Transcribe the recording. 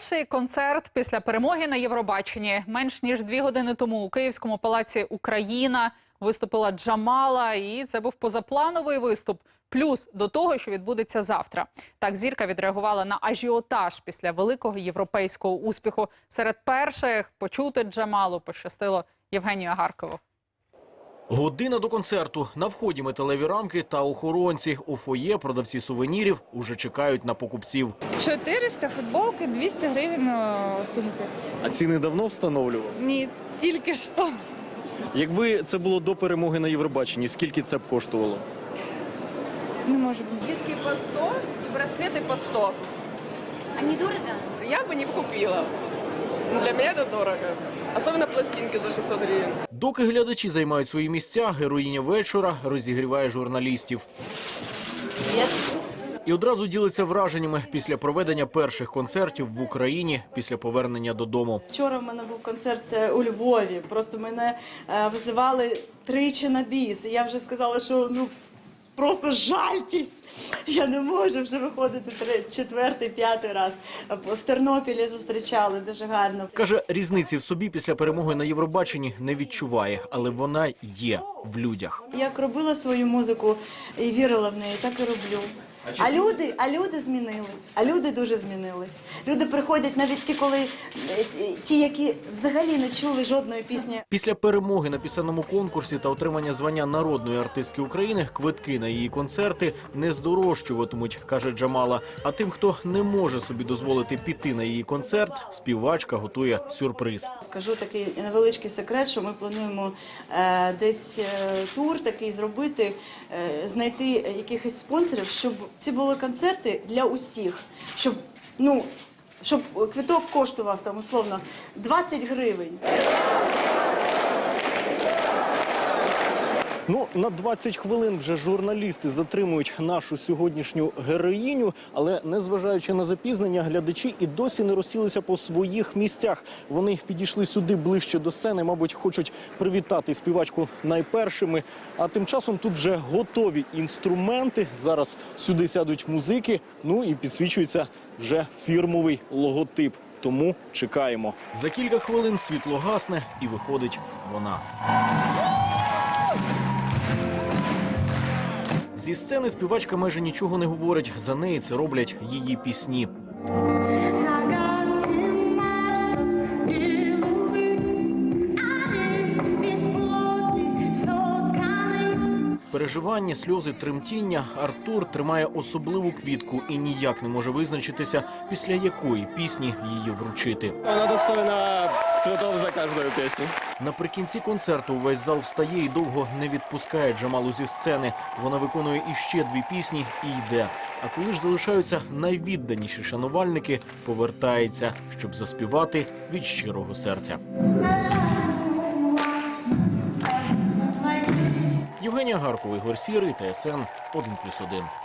Перший концерт після перемоги на Євробаченні. Менш ніж 2 години тому у Київському палаці «Україна» виступила Джамала. І це був позаплановий виступ. Плюс до того, що відбудеться завтра. Так зірка відреагувала на ажіотаж після великого європейського успіху. Серед перших почути Джамалу пощастило Євгенію Агаркову. Година до концерту. На вході металеві рамки та охоронці. У фоє продавці сувенірів уже чекають на покупців. 400 футболки, 200 гривень сумки. А ціни давно встановлювали? Ні, тільки що. Якби це було до перемоги на Євробаченні, скільки це б коштувало? Не може бути. Диски по 100 и браслеты по 100. А не дорого? Я бы не купила. Для меня это дорого. Особенно пластинки за 600 гривен. Доки глядачі займають свої місця, героїня вечора розігріває журналістів. І одразу ділиться враженнями після проведення перших концертів в Україні після повернення додому. Вчора в мене був концерт у Львові. Просто мене визивали тричі на біс. І я вже сказала, що просто жальтесь. Я не можу вже виходити 4-й, 5-й раз. В Тернопілі зустрічали дуже гарно. Каже, різниці в собі після перемоги на Євробаченні не відчуває, але вона є в людях. Як робила свою музику і вірила в неї, так і роблю. А люди змінились, а люди дуже змінились. Люди приходять навіть ті, які взагалі не чули жодної пісні. Після перемоги на пісенному конкурсі та отримання звання народної артистки України квитки на її концерти не здорожчуватимуть, каже Джамала. А тим, хто не може собі дозволити піти на її концерт, співачка готує сюрприз. Скажу такий невеличкий секрет, що ми плануємо десь тур такий зробити, знайти якихось спонсорів, щоб ці були концерти для усіх, щоб квиток коштував там условно 20 гривень. На 20 хвилин вже журналісти затримують нашу сьогоднішню героїню, але незважаючи на запізнення, глядачі і досі не розсілися по своїх місцях. Вони підійшли сюди ближче до сцени, мабуть, хочуть привітати співачку найпершими. А тим часом тут вже готові інструменти. Зараз сюди сядуть музики, і підсвічується вже фірмовий логотип. Тому чекаємо. За кілька хвилин світло гасне і виходить вона. Зі сцени співачка майже нічого не говорить. За неї це роблять її пісні. Переживання, сльози, тремтіння. Артур тримає особливу квітку і ніяк не може визначитися, після якої пісні її вручити. Вона достойна цвітів за кожну пісню. Наприкінці концерту увесь зал встає і довго не відпускає Джамалу зі сцени. Вона виконує іще 2 пісні і йде. А коли ж залишаються найвідданіші шанувальники, повертається, щоб заспівати від щирого серця. Євгенія Агаркова, Ігор Сірий, ТСН 1+1.